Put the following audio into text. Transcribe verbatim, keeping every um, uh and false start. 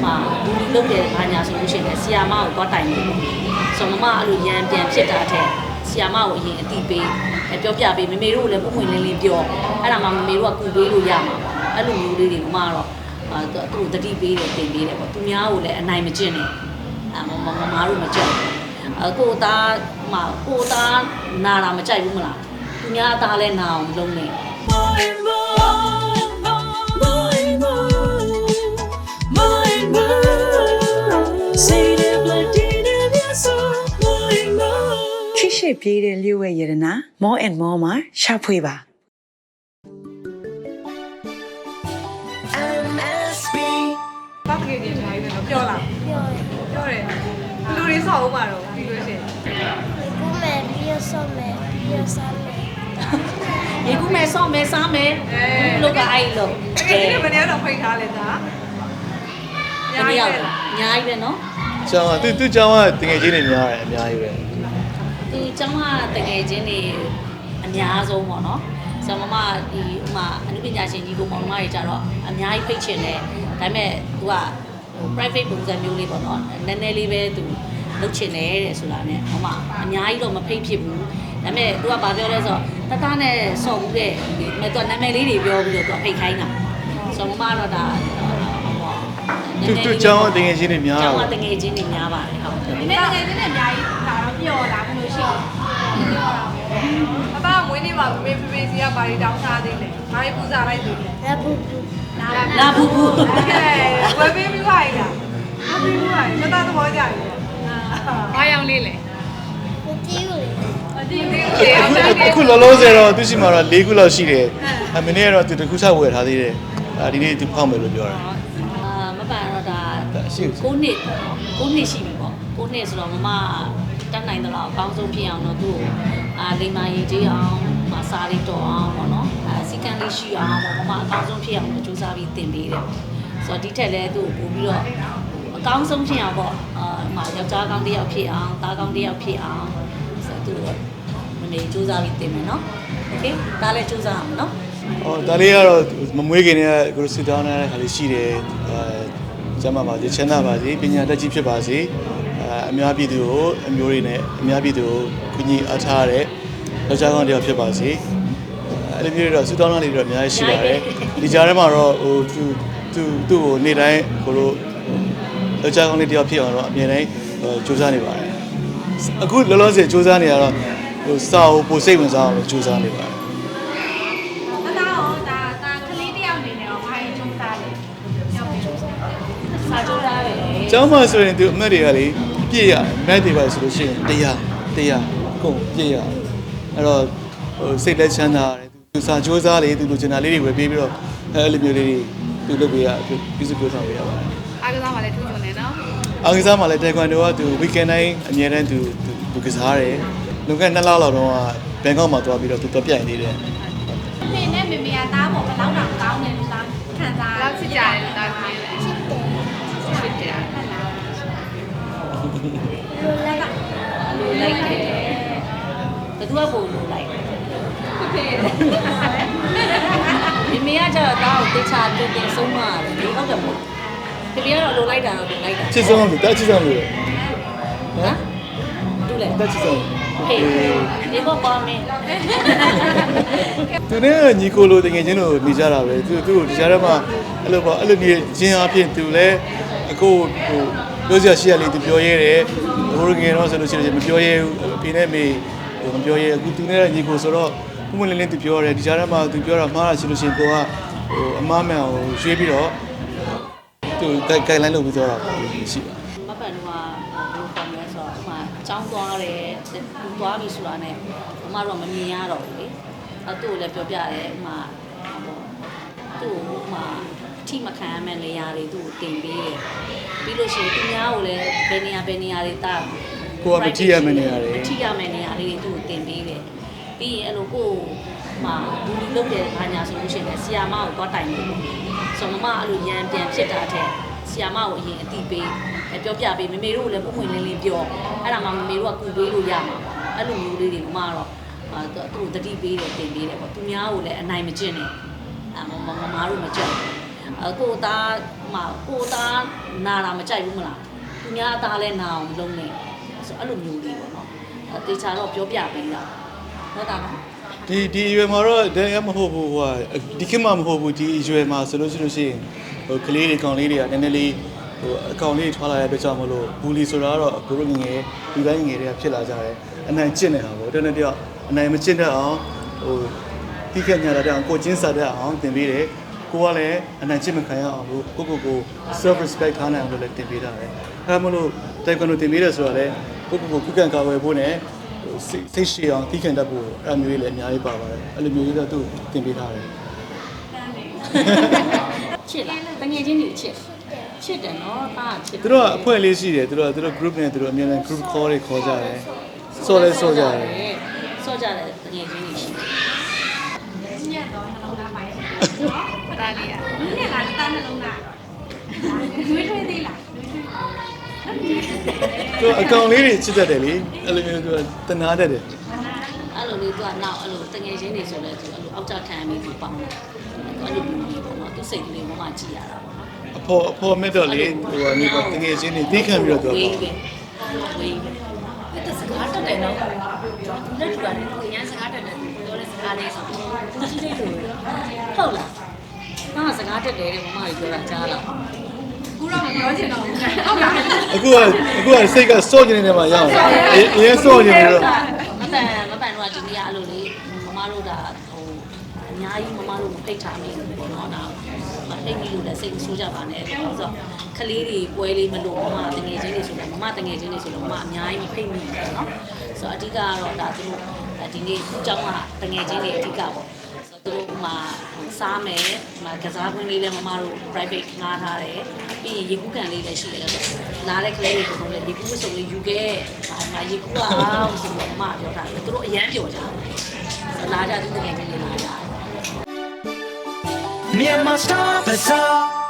မှာဘူးဒီလုပ်တယ်ဘာညာဆိုလို့ရှိရင်ဆီယာမကိုသွားတိုင်လို့ဆိုမမအဲ့လိုရန်ပြန်ဖြစ်တာတဲ့ဆီယာမကိုအရင်အတိပေးပြောပြပေးမမေတို့လည်းပုံမှန်လင်းလင်းပြောအဲ့ဒါမှမမေတို့ကကူပေးလို့ရမှာပေါ့အဲ့လိုမျိုးလေးတွေမတော့သူ့တတိပေးတယ်တင်ပေးတယ်ပေါ့သူများကိုလည်းအနိုင်မကျင့်နဲ့အမမမတို့မကြိုက်အကိုသားမကိုသားနာတာမကြိုက်ဘူးမလားသူများအသားလည်းနာအောင်လုံးနေချစ်ရှိပြေးတဲ့လျှို့ဝဲရတနာ more and more မှာရှာဖွေပါဘာတကယ်ကြီးထားရည်ပြောလားပြောတယ်ပြောတယ်လူတွေဆောက်ဦးမှာတော့ပြီးလို့ရှိရင်ကူမဲပြီးရဆော့မဲပြီးရစားမဲရေကူးမယ်ဆော့မယ်စားမယ်လောကအဲ့လိုဒီနေ့မနေ့တော့ဖိတ်ထားလဲဒါတကယ်ရောက်တယ်အများကြီးပဲနော်ကျောင်းကသူသူကျောင်းကတကယ်ချင်းနေများတယ်အများကြီးပဲဒီကျောင်းကတကယ်ချင်းနေအများဆုံးပေါ့နော်ဆရာမမဒီဥမာအနုပညာရှင်ကြီးကိုမောင်နှမတွေကြတော့အများကြီးဖိတ်ချင်တယ်ဒါပေမဲ့သူကဟို private ပုံစံမျိုးလေးပေါ့နော်နည်းနည်းလေးပဲသူလုပ်ချင်တယ်တဲ့ဆိုတာနဲ့ဟိုမှာအများကြီးတော့မဖိတ်ဖြစ်ဘူးဒါပေမဲ့သူကဘာပြောလဲဆိုတော့တတနဲ့ဆော့ဘူးတဲ့ဒီမဲ့သူကနာမည်လေးတွေပြောပြီးတော့သူဖိတ်ခိုင်းတာဆိုမမတော့ဒါသူသူကျောင်းကတကယ်ချင်းနေများကျောင်းတာကတကယ်ချင်းနေများပါတယ်ဟုတ်ဒီနေ့တကယ်ချင်းနဲ့အများကြီးဒါတော့ပျော်လာဘယ်လိုရှိလဲဘာမွေးနေပါမေဖေဖေစီကဘာတွေတောင်းစားသေးလဲဘာတွေပူဇော်လိုက်သေးလဲရပူပူလာဘူးဘူးဝယ်ပေးပြီးပါရလားဝယ်ပေးပြီးပါရမသားသဘောကြရည်ဘာရောင်လေးလဲမကြည့်ဘူးလေအကြည့်လေးလေအောင်တယ်အခုလောလောဆယ်တော့သူရှိမှာတော့၄ခုလောက်ရှိတယ်အမင်းကတော့သူတစ်ခုချဝယ်ထားသေးတယ်အာဒီနေ့သူဖောက်မယ်လို့ပြောတာအာမပန်တော့ဒါရှိကိုနှစ်ကိုနှစ်ရှိပြီပေါ့ကိုနှစ်ဆိုတော့မမတတ်နိုင်သလားအကောင်းဆုံးဖြစ်အောင်တော့သူ့အာလိမ္မာရင်ကြီးအောင်မစားလေးတော်အောင်ပေါ့နော်အာစီကံလေးရှိအောင်ပေါ့မမအကောင်းဆုံးဖြစ်အောင်ကြိုးစားပြီးတင်ပေးတယ်ဆိုတော့ဒီထက်လည်းသူ့ပို့ပြီးတော့အကောင်းဆုံးဖြစ်အောင်ပေါ့အာမယောက်ျားကောင်းတစ်ယောက်ဖြစ်အောင်သားကောင်းတစ်ယောက်ဖြစ်အောင်ဆိုတော့သူမနေကြိုးစားပြီးတင်မယ်နော်โอเคဒါလည်းကြိုးစားအောင်နော်အော်ဒါလေးကတော့မမွေးခင်တည်းကကိုစစ်တောင်းနေတဲ့ခါလေးရှိတယ်အဲကျမ်းမာပါစေချမ်းသာပါစေပညာတတ်ကြီးဖြစ်ပါစေအဲအများပြည်သူကိုအမျိုးတွေနဲ့အများပြည်သူကိုကူညီအားထားတဲ့ယောက်ျားကောင်းတစ်ယောက်ဖြစ်ပါစေအဲ့လိုမျိုးတော့စစ်တောင်းတာလေးတွေတော့အများကြီးရှိပါတယ်ဒီကြားထဲမှာတော့ဟိုသူသူသူ့ကိုနေ့တိုင်းကိုလိုယောက်ျားကောင်းလေးတစ်ယောက်ဖြစ်အောင်တော့အမြဲတမ်းကြိုးစားနေပါတယ်အခုလောလောဆယ်ကြိုးစားနေရတော့ဟိုစာကိုပိုစိတ်ဝင်စားအောင်ကြိုးစားနေပါတယ်မသားရောဒါဒါကလေးတယောက်အနေနဲ့ရောဘာရင်ကျုံးသားလဲရောက်ပြီစာကြိုးစားပဲကျောင်းမှာဆိုရင်သူအမတ်တွေကလေပြည့်ရမတ်တွေပါဆိုလို့ရှိရင်တရားတရားကုန်ပြည့်ရအဲ့တော့ဟိုစိတ်လက်ချမ်းသာတယ်သူစာကြိုးစားလေသူလိုချင်တာလေးတွေဝယ်ပေးပြီးတော့အဲ့လိုမျိုးလေးတွေသူလုပ်ပေးရပြုစုပြောဆောင်ပေးရပါတယ်အားကစားမှလည်းထူးချွန်နေနော်အားကစားမှာလည်းတိုင်ကွန်ဒိုကသူ weekend တိုင်းအမြဲတမ်းသူသူကစားတယ်လွန်ခဲ့နှစ်လလောက်တော့ဘန်ကောက်မှာသွားပြီးတော့သူတော့ပြိုင်နေတယ်ဖေနဲ့မေမေကသားပေါ်ဘယ်လောက်တောင်ကောင်းတယ်လို့လားခံစားလောက်ချစ်ကြတယ်လို့သားပြောတယ်ချစ်တယ်ဟုတ်လားလိုလိုက်ကလိုလိုက်တယ်ဘယ်သူကပုံလိုလိုက်ဖေမိမိကကျတော့တောင်းတေချာတူတင်ဆုံးမတယ်ဒီဟုတ်တယ်မို့ဖေဖေကတော့လိုလိုက်တာတော့လိုလိုက်တာချစ်ဆုံးလို့တက်ချစ်ဆုံးလို့ဟမ်တူလေတက်ချစ်ဆုံးဖေဒီဘောပါမင်းသူနဲ့ညီကိုလိုတကယ်ချင်းလို့နေကြတာပဲသူသူ့ကိုဒီကြားထဲမှာအဲ့လိုပေါ့အဲ့လိုနေချင်းအဖြစ်သူလည်းအခုဟိုပြောစရာရှိရလေသူပြောရဲတယ်ဟိုငယ်တော့ဆိုလို့ရှိရင်မပြောရဲဘူးအဖေနဲ့မေမပြောရဲအခုသူနဲ့ညီကိုဆိုတော့ဘုမလင်းလင်းသူပြောတယ်ဒီကြားထဲမှာသူပြောတာမှားတာရှိလို့ရှိရင်ကိုကဟိုအမားမှန်ကိုရွှေ့ပြီးတော့သူဂိုင်လိုင်းလုပ်ပြီးတော့တာရှိပါမပန်တော့ဘယ်လိုပုံလဲဆိုတော့ဥမာចောင်းသွားတယ်သူသွားပြီဆိုတာနဲ့အမတော့မမြင်ရတော့ဘူးလေအဲသူ့ကိုလည်းပြောပြတယ်ဥမာသူ့ဥမာအထိမခံရမယ့်နေရာတွေသူ့ကိုတင်ပေးတယ်ပြီးလို့ရှိရင်သူများကိုလည်းဘယ်နေရာဘယ်နေရာတွေတာကိုကမထိရမယ့်နေရာတွေမထိရမယ့်နေရာလေးတွေသူ့ကိုတင်ပေးတယ်ပြီးရင်အဲ့လိုကိုမှာဘူးဒီလုပ်တယ်ဘာညာဆိုလို့ရှိရင်ဆီယာမကိုသွားတိုင်လို့ဆိုမမအဲ့လိုရန်ပြန်ဖြစ်တာတဲ့ဆီယာမကိုအရင်အတိပေးပြောပြပေးမမေတို့လည်းပုံမှန်လင်းလင်းပြောအဲ့ဒါမှမမေတို့ကကူပေးလို့ရမှာပေါ့အဲ့လိုမျိုးလေးတွေမတော့သူ့တတိပေးတယ်တင်ပေးတယ်ပေါ့သူများကိုလည်းအနိုင်မကျင့်နဲ့အမမမတို့မကြိုက်အကိုသားမကိုသားနာတာမကြိုက်ဘူးမလားသူများသားလည်းနာအောင်လုပ်နေဆိုအဲ့လိုမျိုးလေးပေါ့နော်တေချာတော့ပြောပြပေးတာဟုတ်တာနော်ဒီဒီရွယ်မှာတော့တကယ်မဟုတ်ဘူးဟိုဒီခေတ်မှာမဟုတ်ဘူးဒီရွယ်မှာဆိုလို့ရှိလို့ရှိရင်ဟိုကလေးတွေကောင်လေးတွေကနည်းနည်းလေးဟိုအကောင်လေးထွားလာတဲ့အတွက်ကြောင့်မလို့ဘူလီဆိုတာကတော့ကိုတို့ငယ်ဒီပိုင်းငယ်တွေကဖြစ်လာကြတယ်အနိုင်ကျင့်နေတာပေါ့တနေ့တည်းအနိုင်မကျင့်တတ်အောင်ဟိုတိခက်ညာတဲ့အောင်ကိုချင်းစားတဲ့အောင်သင်ပေးတယ်ကိုကလည်းအနိုင်ကျင့်မခံရအောင်လို့ကိုကိုကို self respect ထားနိုင်အောင်လို့လည်းသင်ပေးတာပဲအဲမလို့တိုင်ကွန်ဒိုသင်ပေးတယ်ဆိုတော့လေကိုကိုကိုခုခံကာဝယ်ဖို့နဲ့စိတ်ရှိအောင်တိခတ်တတ်ဖို့အဲ့မျိုးလေးလည်းအများကြီးပါပါတယ်အဲ့လိုမျိုးလေးတော့သူ့သင်ပေးထားတယ်ချစ်လားတငယ်ချင်းတွေချစ်ချစ်တယ်နော်သားချစ်သူတို့ကအဖွဲ့လေးရှိတယ်သူတို့ကသူတို့ group နဲ့သူတို့အများနဲ့ group call တွေခေါ်ကြတယ်ဆော်လဲဆော်ကြတယ်ဆော့ကြတယ်တငယ်ချင်းတွေရှိတယ်ညက်တော့နှလုံးသားပိုင်းနော်တားလေးอ่ะညက်လားတားနှလုံးသားတွေးထွေးသေးလားသူအကောင်လေးတွေချစ်တတ်တယ်လေအဲ့လိုမျိုးသူကတနာတတ်တယ်အဲ့လိုလေးသူကနောက်အဲ့လိုတငယ်ချင်းတွေဆိုလဲသူအဲ့လိုအောက်ကြခံပြီးသူပေါင်းတယ်အဲ့လိုမျိုးလေးပေါ့နော်သူစိတ်ကလေးမှမှကြည့်ရတာပေါ့နော်အဖေအဖေမဲ့တော့လေဟိုကနေပါတကယ်ချင်းနေသိခံပြီးတော့သူကဝေးပဲဝေးပဲအဲ့ဒါစကားတက်တယ်နော်သူလက်ထူတာလေသူအရင်စကားတက်တယ်သူပြောတဲ့စကားလေးဆိုသူကြည့်လိုက်လို့ဟုတ်လားငါစကားတက်တယ်တဲ့မမကြီးပြောတာကြားလားကူတော့မပြောချင်တော့ဘူးဟုတ်လားအခုကအခုကစိတ်ကစော့နေနေမှာရအောင်အရင်စော့နေပြီးတော့မပန်မပန်တော့ဒီနေ့အဲ့လိုလေမမတို့ဒါဟိုအများကြီးမမတို့ဖိတ်ထားမိတယ်ပေါ့နော်ဒါမဖိတ်မိလို့လည်းစိတ်ဆိုးကြပါနဲ့ဆိုတော့ကလေးတွေပွဲလေးမလို့မမတငယ်ချင်းတွေဆိုတော့မမတငယ်ချင်းတွေဆိုတော့မမအများကြီးမဖိတ်မိဘူးပေါ့နော်ဆိုတော့အဓိကကတော့ဒါသူတို့ဒီနေ့အကြောင်းကတငယ်ချင်းတွေအဓိကပေါ့ဆိုတော့သူတို့မှာစားမယ်မကစားခွင့်လေးလည်းမမတို့ private ငှားထားတယ်ပြီးရင်ရေကူးကန်လေးလည်းရှိတယ်ဆိုတော့နားတဲ့ကလေးတွေကိုလည်းရေကူးဝတ်စုံလေးယူခဲ့ဒါမှရေကူးအောင်ဆိုတော့မမပြောတာသူတို့အရန်ပြောကြတယ်လာကြသူတကယ်ကြီးလာကြတယ် Myanmar Star Bazaar